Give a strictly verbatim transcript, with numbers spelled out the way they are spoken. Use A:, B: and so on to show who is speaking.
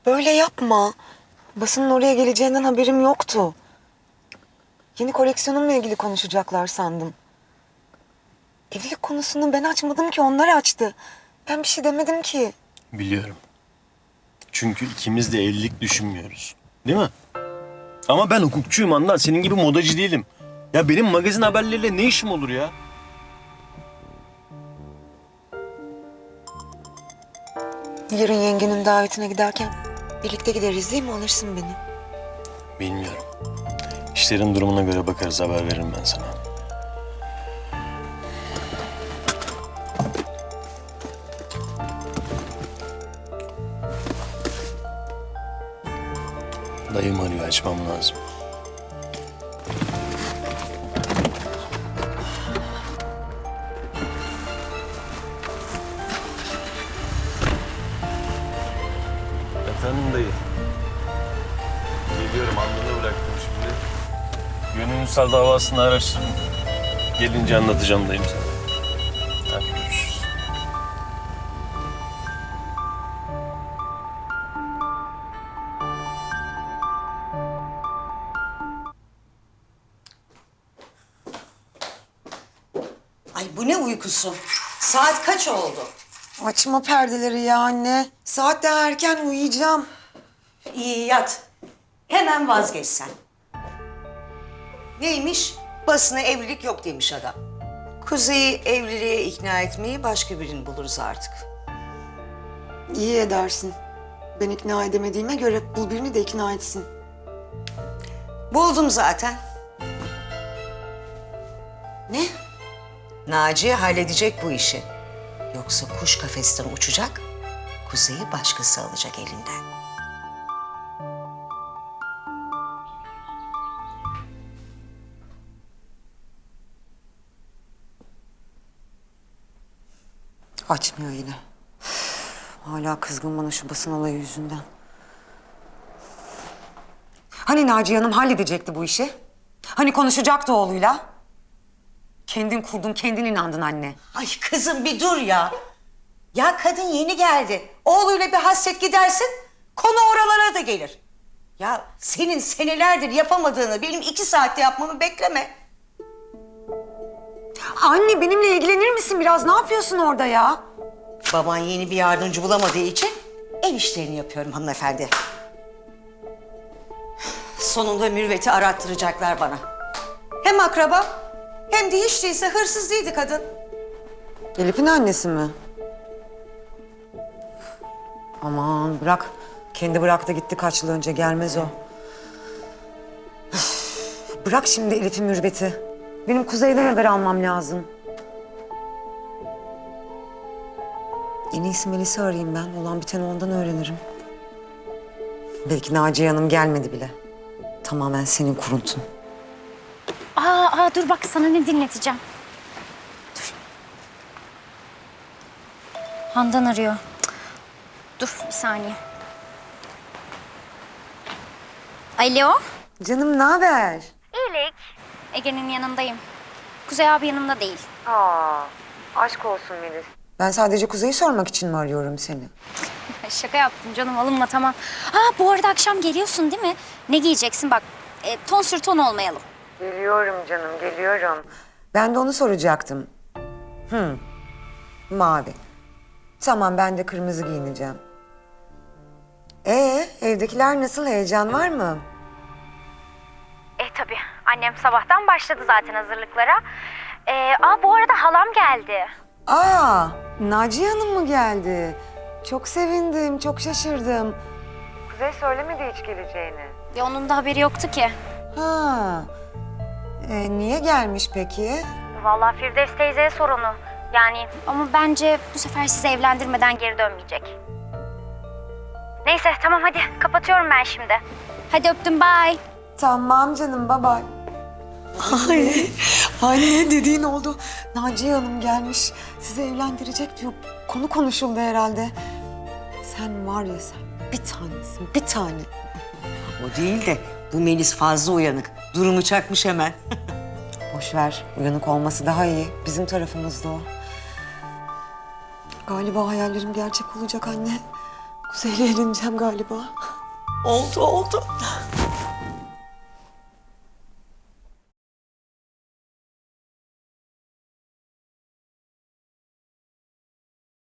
A: Böyle yapma. Basının oraya geleceğinden haberim yoktu. Yeni koleksiyonumla ilgili konuşacaklar sandım. Evlilik konusunu ben açmadım ki, onlar açtı. Ben bir şey demedim ki.
B: Biliyorum. Çünkü ikimiz de evlilik düşünmüyoruz. Değil mi? Ama ben hukukçuyum Handan. Senin gibi modacı değilim. Ya benim magazin haberleriyle ne işim olur ya?
A: Yarın yengenin davetine giderken birlikte gideriz değil mi? Alırsın beni.
B: Bilmiyorum. İşlerin durumuna göre bakarız, haber veririm ben sana. Dayım arıyor, açmam lazım. Efendim dayı. Geliyorum, Handan'ı bıraktım şimdi. Gönül Ünsal davasını araştırdım. Gelince anlatacağım dayım sana. Hadi görüşürüz.
C: Ay bu ne uykusu? Saat kaç oldu?
A: Açma perdeleri ya anne. Saat daha erken, uyuyacağım.
C: İyi yat. Hemen vazgeç sen. Neymiş? Basına evlilik yok demiş adam. Kuzey'i evliliğe ikna etmeyi başka birini buluruz artık.
A: İyi edersin. Ben ikna edemediğime göre bul birini de ikna etsin.
C: Buldum zaten.
A: Ne?
C: Naciye halledecek bu işi. Yoksa kuş kafesten uçacak, Kuzey'i başkası alacak elinden.
A: Açmıyor yine. Hala kızgın bana şu basın olayı yüzünden. Hani Naciye Hanım halledecekti bu işi? Hani konuşacaktı oğluyla? Kendin kurdun, kendin inandın anne.
C: Ay kızım bir dur ya. Ya kadın yeni geldi. Oğluyla bir hasret gidersin, konu oralara da gelir. Ya senin senelerdir yapamadığını benim iki saatte yapmamı bekleme.
A: Anne benimle ilgilenir misin biraz? Ne yapıyorsun orada ya?
C: Baban yeni bir yardımcı bulamadığı için ev işlerini yapıyorum hanımefendi. Sonunda mürveti arattıracaklar bana. Hem akraba hem de hiç değilse hırsız değildi kadın.
A: Elif'in annesi mi? Aman bırak. Kendi bıraktı gitti kaç yıl önce, gelmez o. Üf, bırak şimdi Elif'in mürveti. Benim Kuzey'den haber almam lazım. En iyisi Melis'i arayayım ben. Olan biteni ondan öğrenirim. Belki Naciye Hanım gelmedi bile. Tamamen senin kuruntun.
D: Aa, aa dur bak sana ne dinleteceğim. Dur. Handan arıyor. Cık. Dur bir saniye. Alo.
A: Canım ne haber?
D: İyilik. Ege'nin yanındayım. Kuzey abi yanımda değil.
A: Aa, aşk olsun Melis. Ben sadece Kuzey'i sormak için mi arıyorum seni?
D: Şaka yaptım canım, alınma tamam. Ha bu arada akşam geliyorsun değil mi? Ne giyeceksin bak. E, ton sür ton olmayalım.
A: Geliyorum canım, geliyorum. Ben de onu soracaktım. Hı, mavi. Tamam, ben de kırmızı giyineceğim. Ee, evdekiler nasıl? Heyecan var mı?
D: E tabii. Annem sabahtan başladı zaten hazırlıklara. E, aa bu arada halam geldi.
A: Aa, Naciye Hanım mı geldi? Çok sevindim, çok şaşırdım. Kuzey söylemedi hiç geleceğini.
D: Ya onun da haberi yoktu ki.
A: Ha, ee, niye gelmiş peki?
D: Vallahi Firdevs teyzeye sor onu. Yani ama bence bu sefer sizi evlendirmeden geri dönmeyecek. Neyse tamam hadi kapatıyorum ben şimdi. Hadi öptüm bye.
A: Tamam canım, bye bye. Ay, anne dediğin oldu. Naciye Hanım gelmiş, sizi evlendirecek diyor. Konu konuşuldu herhalde. Sen var ya sen, bir tanesin, bir tane.
C: O değil de bu Melis fazla uyanık. Durumu çakmış hemen.
A: Boş ver, uyanık olması daha iyi. Bizim tarafımızda o. Galiba hayallerim gerçek olacak anne. Kuzey'le evleneceğim galiba.
C: Oldu oldu.